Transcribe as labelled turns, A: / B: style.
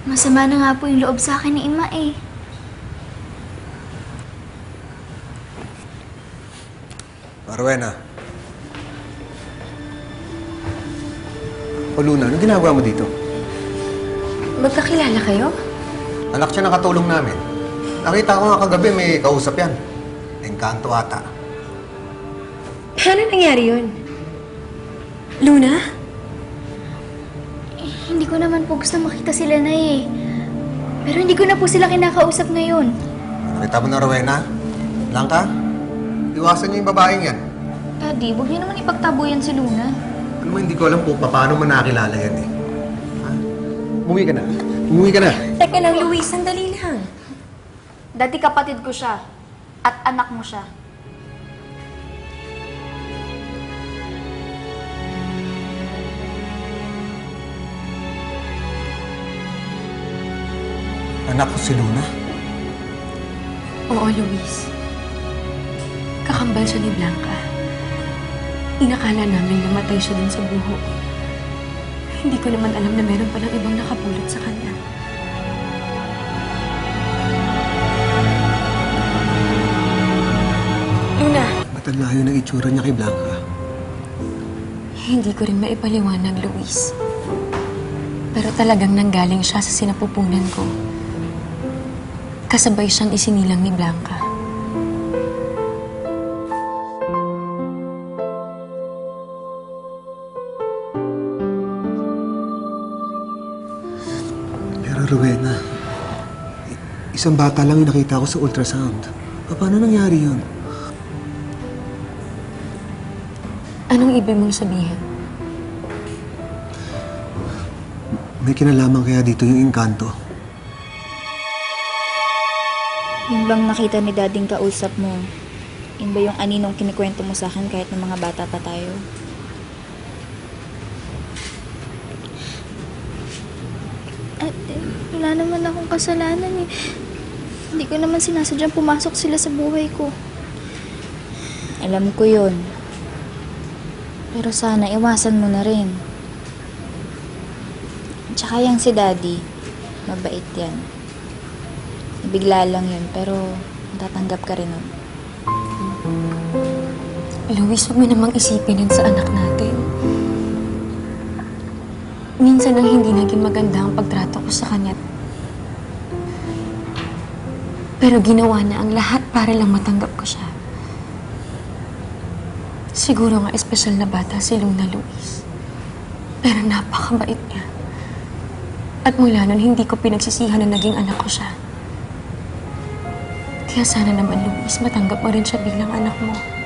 A: Masama na nga po yung loob sa akin ni Ima eh.
B: Rowena. O Luna, anong ginagawa mo dito?
C: Magkakilala kayo?
B: Anak siya ng katulong namin. Nakita ko nga kagabi may kausap yan. Engkanto ata.
C: Paano nangyari yun? Luna?
A: Hindi ko naman po gusto makita sila na eh. Pero hindi ko na po sila kinakausap ngayon.
B: Nakita mo na, Rowena? Blanca? Iwasan niyo yung babaeng yan.
A: Daddy, huwag niyo naman ipagtabuyan si Luna.
B: Ano mo, hindi ko alam po paano mo nakilala yan eh. Ha? Umuwi ka na. Umuwi ka na.
C: Teka lang, Luis. Sandali lang.
A: Dati kapatid ko siya. At anak mo siya.
B: Anak ko si Luna.
C: Oo, Luis. Kakambal siya ni Blanca. Inakala namin namatay siya dun sa buho. Hindi ko naman alam na meron palang ibang nakapulot sa kanya. Luna!
B: Ba't ang layo ng itsura niya kay Blanca?
C: Hindi ko rin maipaliwanag, Luis. Pero talagang nanggaling siya sa sinapupunan ko. Kasabay siyang isinilang ni Blanca.
B: Pero Rowena, isang bata lang yung nakita ko sa ultrasound. Paano nangyari yun?
C: Anong ibig mong sabihin?
B: May kinalaman kaya dito yung engkanto?
D: Yung bang nakita ni Dading kausap mo, yun ba yung aninong kinikwento mo sa akin kahit ng mga bata pa tayo?
A: Ate, wala naman akong kasalanan eh. Hindi ko naman sinasadyang pumasok sila sa buhay ko.
D: Alam ko yun. Pero sana iwasan mo na rin. Tsaka yung si Daddy, mabait yan. Bigla lang yun, pero tatanggap ka rin nun.
C: Luis, huwag mo namang isipin yun sa anak natin. Minsan ang hindi naging maganda ang pagtrato ko sa kanya. Pero ginawa na ang lahat para lang matanggap ko siya. Siguro nga espesyal na bata si Luna, Luis. Pero napakabait niya. At mula nun, hindi ko pinagsisihan na naging anak ko siya. Kaya sana naman, Luis, matanggap mo rin siya bilang anak mo.